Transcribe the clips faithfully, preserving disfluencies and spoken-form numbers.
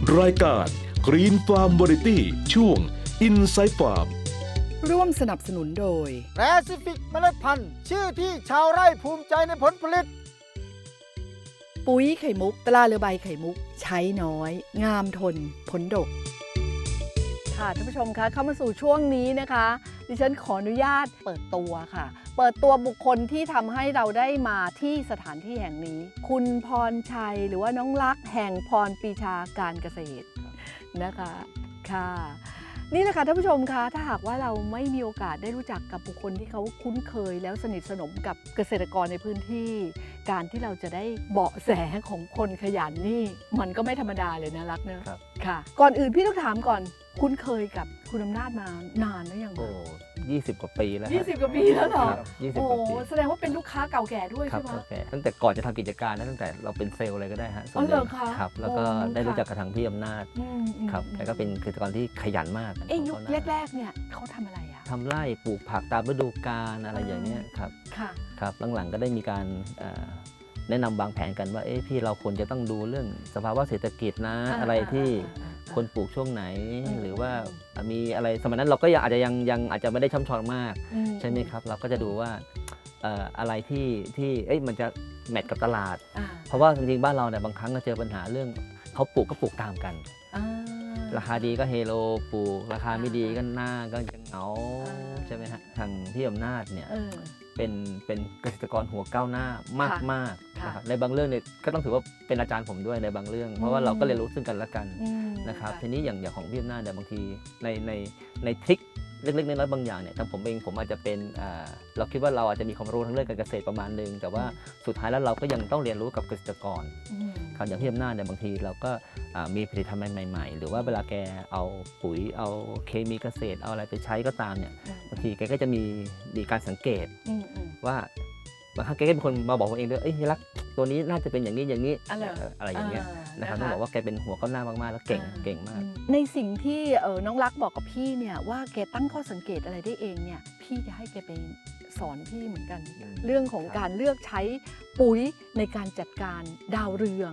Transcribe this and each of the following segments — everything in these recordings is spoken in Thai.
รายการ Green Farm Variety ช่วง Inside Farm ร่วมสนับสนุนโดยแปซิฟิกเมล็ดพันธุ์ชื่อที่ชาวไร่ภูมิใจในผลผลิตปุ๋ยไข่มุกตราเรือใบไข่มุกใช้น้อย งามทนผลดกค่ะท่านผู้ชมคะเข้ามาสู่ช่วงนี้นะคะดิฉันขออนุญาตเปิดตัวค่ะเปิดตัวบุคคลที่ทำให้เราได้มาที่สถานที่แห่งนี้ คุณพรชัยหรือว่าน้องลักษณ์แห่งพรปีชาการเกษตรนะคะค่ะนี่แหละค่ะท่านผู้ชมคะถ้าหากว่าเราไม่มีโอกาสได้รู้จักกับบุคคลที่เขาคุ้นเคยแล้วสนิทสนมกับเกษตรกรในพื้นที่การที่เราจะได้เบาะแสของคนขยันนี่มันก็ไม่ธรรมดาเลยนะรักเนอะค่ะก่อนอื่นพี่ต้องถามก่อนคุ้นเคยกับคุณอำนาจมานานหรือยังโอ้ยี่สิบกว่าปีแล้วยี่สิบกว่าปีแล้วเหรอยี่สิบโอ้กว่าปีแสดงว่าเป็นลูกค้าเก่าแก่ด้วยครัใช่ไหมโอเคตั้งแต่ก่อนจะทำกิจการนะตั้งแต่เราเป็นเซลล์อะไรก็ได้ฮะอ๋อเหรอคะครับแล้วก็โอ้ได้รู้ค่ะจักกับทางพี่อำนาจอืมอืมครับแล้วก็เป็นเกษตรกรที่ขยันมากเอ้ยยุคของเขานะแรกๆเนี่ยเขาทำอะไรอ่ะทำไร่ปลูกผักตามฤดูกาลอะไรอ๋อออย่างเนี้ยครับค่ะครับหลังๆก็ได้มีการเอ่อแนะนำวางแผนกันว่าเอ๊ะพี่เราควรจะต้องดูเรื่องสภาวะเศรษฐกิจนะอ่าอะไรที่อ่าอ่าอ่าคนปลูกช่วงไหนอืมหรือว่ามีอะไรสมัยนั้นเราก็ยังอาจจะยังยังอาจจะไม่ได้ช่ำชองมากอืใช่ไหมครับ เราก็จะดูว่าเอ่ออะไรที่ที่เอ้ยมันจะแมทกับตลาดอ่าเพราะว่าจริงๆบ้านเราเนี่ยบางครั้งก็เจอปัญหาเรื่องเขาปลูกก็ปลูกตามกันอ่าราคาดีก็เฮโลปลูกราคาไม่ดีอ่าก็หน้าก็จะเหงาอ่าใช่ไหมฮะทางที่อำนาจเนี่ยเออเป็นเป็นเกษตรกรหัวก้าวหน้ามากมากๆค่ะนะครับในบางเรื่องเนี่ยก็ต้องถือว่าเป็นอาจารย์ผมด้วยในบางเรื่อง เพราะว่าเราก็เรียนรู้ซึ่งกันและกันอืมนะครับะทีนี้อย่างอย่างของพี่อำนาจเนี่ยบางทีในในในทริคเล็กๆน้อยๆบางอย่างเนี่ยทางผมเองผมอาจจะเป็นอ่าเราคิดว่าเราอาจจะมีความรู้ทั้งเรื่องการเกษตรประมาณนึงแต่ว่าสุดท้ายแล้วเราก็ยังต้องเรียนรู้กับเกษตรกรอืมครับอย่างพี่อำนาจเนี่ยบางทีเราก็อ่ามีผลิตภัณฑ์ใหม่ๆ หรือว่าเวลาแกเอาปุ๋ยเอาเคมีเกษตรเอาอะไรไปใช้ก็ตามเนี่ยบางทีแกก็จะมีมีการสังเกตอืมอืมว่าบางครั้งแกก็เป็นคนมาบอกผมเองด้วยเอ้ยรักตัวนี้น่าจะเป็นอย่างนี้อย่างนี้อะไรเอ่ออะไรอย่างเงี้ยอ่านะครับนะคะต้องบอกว่าแกเป็นหัวก้าวหน้ามากๆแล้วเก่งอ่าเก่งมากในสิ่งที่เออน้องรักบอกกับพี่เนี่ยว่าแกตั้งข้อสังเกตอะไรได้เองเนี่ยพี่จะให้แกไปสอนพี่เหมือนกันอืมเรื่องของครับการเลือกใช้ปุ๋ยในการจัดการดาวเรือง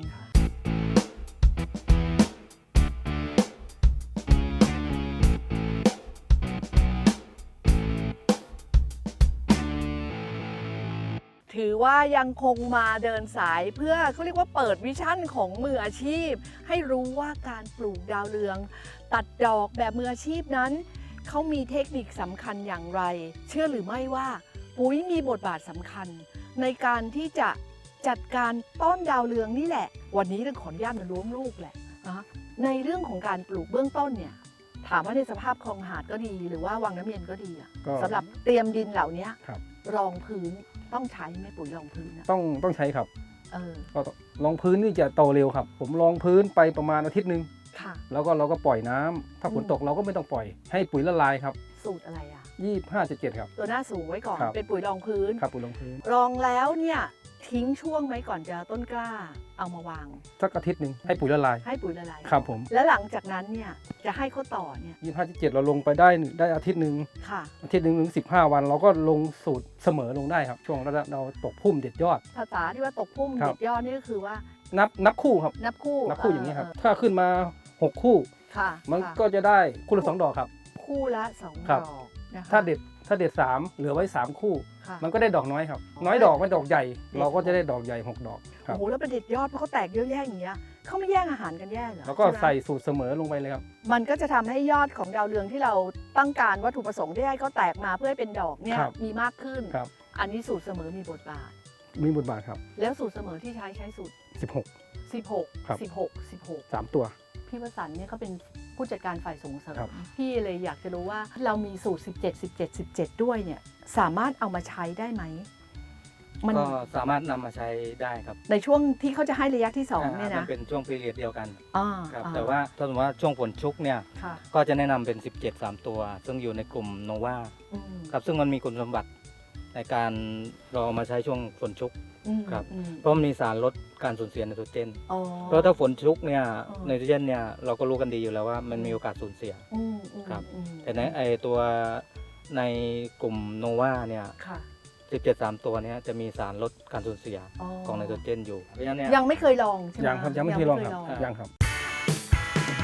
ถือว่ายังคงมาเดินสายเพื่อเขาเรียกว่าเปิดวิชั่นของมืออาชีพ ให้รู้ว่าการปลูกดาวเรือง ตัดดอกแบบมืออาชีพนั้น เขามีเทคนิคสำคัญอย่างไร เชื่อหรือไม่ว่าปุ๋ยมีบทบาทสำคัญ ในการที่จะจัดการต้นดาวเรืองนี่แหละ วันนี้เราขออนุญาตมาล้วงลูกแหละนะในเรื่องของการปลูกเบื้องต้นเนี่ยถามว่าในสภาพคลองหาดก็ดี หรือว่าวังน้ำเย็นก็ดีอะก็สำหรับเตรียมดินเหล่านี้ครับรองพื้นต้องใช้ไหมปุ๋ยรองพื้นอะต้องต้องใช้ครับเออก็รองพื้นนี่จะโตเร็วครับ ผมรองพื้นไปประมาณอาทิตย์หนึ่งค่ะแล้วก็เราก็ปล่อยน้ำถ้าฝนอืมตกเราก็ไม่ต้องปล่อย ให้ปุ๋ยละลายครับสูตรอะไรอะยี่สิบห้าจุดเจ็ดครับตัวหน้าสูงไว้ก่อนครับเป็นปุ๋ยรองพื้นครับปุ๋ยรองพื้นรองแล้วเนี่ยทิ้งช่วงไหมก่อนจะต้นกล้าเอามาวางสักอาทิตย์หนึ่งให้ปุ๋ยละลายให้ปุ๋ยละลายครับผมแล้วหลังจากนั้นเนี่ยจะให้เขาต่อเนี่ยยี่สิบห้าจุดเจ็ดเราลงไปได้ได้อาทิตย์หนึ่งค่ะอาทิตย์หนึ่งถึงสิบห้าวัน เราก็ลงสูตรเสมอลงได้ครับ ช่วงเราเราตกพุ่มเด็ดยอดภาษาที่ว่าตกพุ่มครับเด็ดยอดนี่ก็คือว่านับนับคู่ครับนับคู่นับคู่อย่างนี้ครับเถ้าขึ้นมาหกคู่ค่ะมันค่ะก็จะได้คู่ละสองดอกครับคู่ละสองครับดอกนะคะถ้าเด็ดถ้าเด็ดสามเหลือไว้สามคู่ค่ะมันก็ได้ดอกน้อยครับอ๋อน้อยดอกไม่ดอกใหญ่ เราก็จะได้ดอกใหญ่หกดอกคโอ้รับโหแล้วเป็นเด็ดยอดเพราะเขาแตกเยอะแยะอย่างเงี้ยเขาไม่แย่งอาหารกันแย่เหรอแล้วก็ช่ไหมใส่สูตรเสมอลงไปเลยครับมันก็จะทำให้ยอดของดาวเรืองที่เราต้องการวัตถุประสงค์ที่ให้เขาแตกมาเพื่อให้เป็นดอกเนี่ยครับมีมากขึ้นครับอันนี้สูตรเสมอมีบทบาทมีบทบาทครับแล้วสูตรเสมอที่ใช้ใช้สูตรสิบหกสิบหกครับสิบหก สิบหกสามตัวพี่วสันต์เนี่ยเขาเป็นผู้จัดการฝ่ายส่งเสริมครับพี่เลยอยากจะรู้ว่าเรามีสูตร สิบเจ็ด สิบเจ็ด สิบเจ็ด ด้วยเนี่ยสามารถเอามาใช้ได้ไหมมันก็สามารถนำมาใช้ได้ครับในช่วงที่เขาจะให้ระยะที่สองาเนี่ยมันะเป็นช่วงพีเรียดเดียวกันอ่าครับอ่แต่ว่าถ้าสมมติว่าช่วงฝนชุกเนี่ยค่ะก็จะแนะนำเป็น สิบเจ็ด สามตัว ซึ่งอยู่ในกลุ่มโนวาอืมครับซึ่งมันมีคุณสมบัติในการเราเอามาใช้ช่วงฝนชุกอืมครับอืมเพราะมันมีสารลดการสูญเสียไนโตรเจนอ๋อเพราะถ้าฝนชุกเนี่ยอ๋อไนโตรเจนเนี่ยเราก็รู้กันดีอยู่แล้วว่ามันมีโอกาสสูญเสียอืมอืมครับอืมแต่ในไอตัวในกลุ่มโนวาเนี่ยค่ะสิบเจ็ด สามตัวเนี้จะมีสารลดการสูญเสียอ๋อของไนโตรเจนอยู่เพราะฉะนั้นเนี่ยยังไม่เคยลองใช่ไหมยังครับยังไม่เคยลองครับลองยังครับ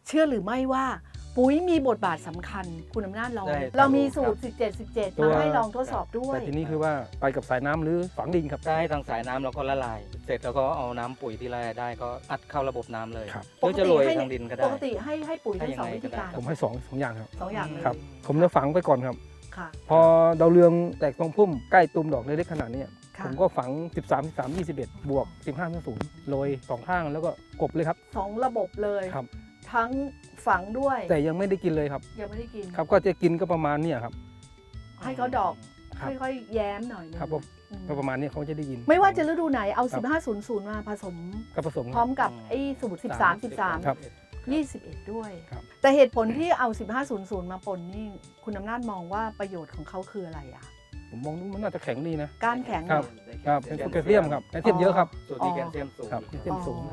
เชื่อหรือไม่ว่าปุ๋ยมีบทบาทสำคัญคุณอำนาจลองได้เรามีสูตร สิบเจ็ด สิบเจ็ดตัวมาให้ลองทดสอบด้วยแต่ทีนี้คือว่าไปกับสายน้ำหรือฝังดินครับได้ทางสายน้ำเราก็ละลาย เสร็จแล้วก็เอาน้ำปุ๋ยที่ละลายได้ก็อัดเข้าระบบน้ำเลยครับหรือจะโรยทางดินก็ปได้กติให้ให้ปุ๋ยทั้งให้สองยังไงวิธีการก็ได้ผมให้สองสองอย่างครับสองอย่างเลยครับ ผมจะฝังไปก่อนครับค่ะพอดาวเรืองแตกตรงพุ่มใกล้ตุ่มดอกเล็กๆขนาดเนี้ยค่ะผมก็ฝัง สิบสาม สิบสาม ยี่สิบเอ็ด บวก สิบห้า ศูนย์โรยสองข้างแล้วก็กบเลยครับสองระบบเลยครับทั้งฝังด้วยแต่ยังไม่ได้กินเลยครับยังไม่ได้กินครับก็จะกินก็ประมาณเนี้ยครับให้เขาดอกครับค่อยๆแย้มหน่อยนึงครับผมอืมก็ประมาณเนี้ยเขาจะได้ยินไม่ว่าจะฤดูไหนเอาครับสิบห้า ศูนย์ ศูนย์ มาผสมก็ผสมพร้อมกับไอ้สูตร สิบสาม สิบสามครับยี่สิบเอ็ด ด้วยครับแต่เหตุผลที่เอา สิบห้า ศูนย์ ศูนย์ มาปนนี่คุณอำนาจมองว่าประโยชน์ของเขาคืออะไรอ่ะผมมองมันน่าจะแข็งดีนะก้านแข็งครับ ครับเป็นโพแทสเซียมครับแคลเซียมเยอะครับส่วนมีแคลเซียมสูงครับแคลเซียมสูงอ๋อ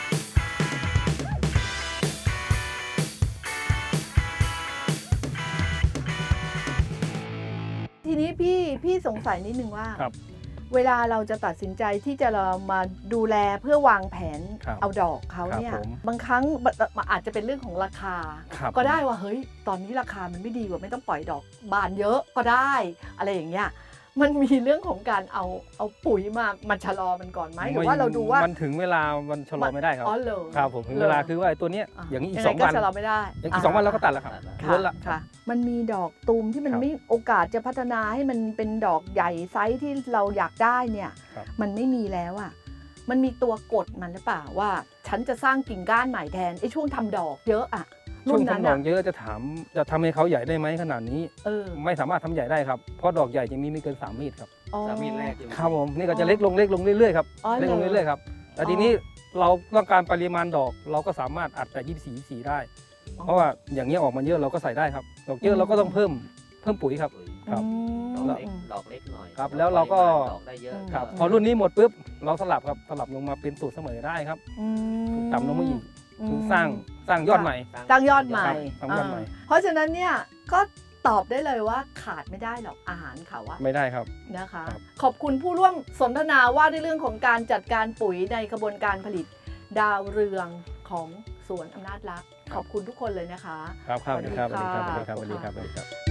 ทีนี้พี่พี่สงสัยนิดนึงว่าครับเวลาเราจะตัดสินใจที่จะเรามาดูแลเพื่อวางแผนครับเอาดอกเขาเนี่ยครับผมบางครั้งมันอาจจะเป็นเรื่องของราคาครับก็ได้ว่าเฮ้ยตอนนี้ราคามันไม่ดีกว่าไม่ต้องปล่อยดอกบานเยอะก็ได้อะไรอย่างเงี้ยมันมีเรื่องของการเอาเอาปุ๋ยมามาชะลอมันก่อนไหมหรือว่าเราดูว่ามันถึงเวลามันชะลอไม่ได้ครับอ๋อเหรอครับผมถึงเวลาคือว่าไอ้ตัวเนี้ยอย่างนี้อีกยัสองไก็วันชะลอไม่ได้อย่างอีกสองวันเราก็ตัดแล้วครับค่ะล้นละค่ะ มันมีดอกตูมที่มันครับไม่โอกาสจะพัฒนาให้มันเป็นดอกใหญ่ไซส์ที่เราอยากได้เนี่ยครับมันไม่มีแล้วอ่ะมันมีตัวกดมันหรือเปล่าว่า ฉันจะสร้างกิ่งก้านใหม่แทนไอ้ช่วงทำดอกเยอะอ่ะช่รุ่วงนนั้นทำดออ่ะกเยอะจะถามจะทำให้เขาใหญ่ได้ไหมขนาดนี้เออไม่สามารถทำใหญ่ได้ครับเพราะดอกใหญ่จะมีไม่เกินสามเมตรครับอ๋อสามมีดแรกอยู่ครับผมนี่ก็จะเล็กลงเล็กลงเรื่อยๆครับอ๋อเล็กลงเหรอเรื่อยๆครับแต่ทีนี้เราต้องการปริมาณดอกเราก็สามารถอัดแต่ยี่สิบสี่ ยี่สิบสี่ได้ เพราะว่าอย่างเงี้ยออกมาเยอะเราก็ใส่ได้ครับดอกเยอะเราก็ต้องเพิ่มเพิ่มปุ๋ยครับ ครับอืมดอกเล็กดอกเล็กหน่อยครับแล้วเราก็ดอกได้เยอะครับพอรุ่นนี้หมดปุ๊บเราสลับครับสลับลงมาเป็นสูตรเสมอได้ครับอืมสูตรต่ำลงมาอีกอืมคือสร้างสร้างยอดใหม่สร้างยอดใหม่ครับสร้างยอดใหม่าเพราะฉะนั้นเนี่ยก็ตอบได้เลยว่าขาดไม่ได้หรอกอาหารเขาอะไม่ได้ครับนะคะครับขอบคุณผู้ร่วมสนทนาว่าในเรื่องของการจัดการปุ๋ยในกระบวนการผลิตดาวเรืองของสวนอำนาจรัก ขอบคุณทุกคนเลยนะคะครับครับสวัสดีครับสสวัวัสสดีดีครับค่ะสวัสดีครับสวัสดีครับสวัสดีครับ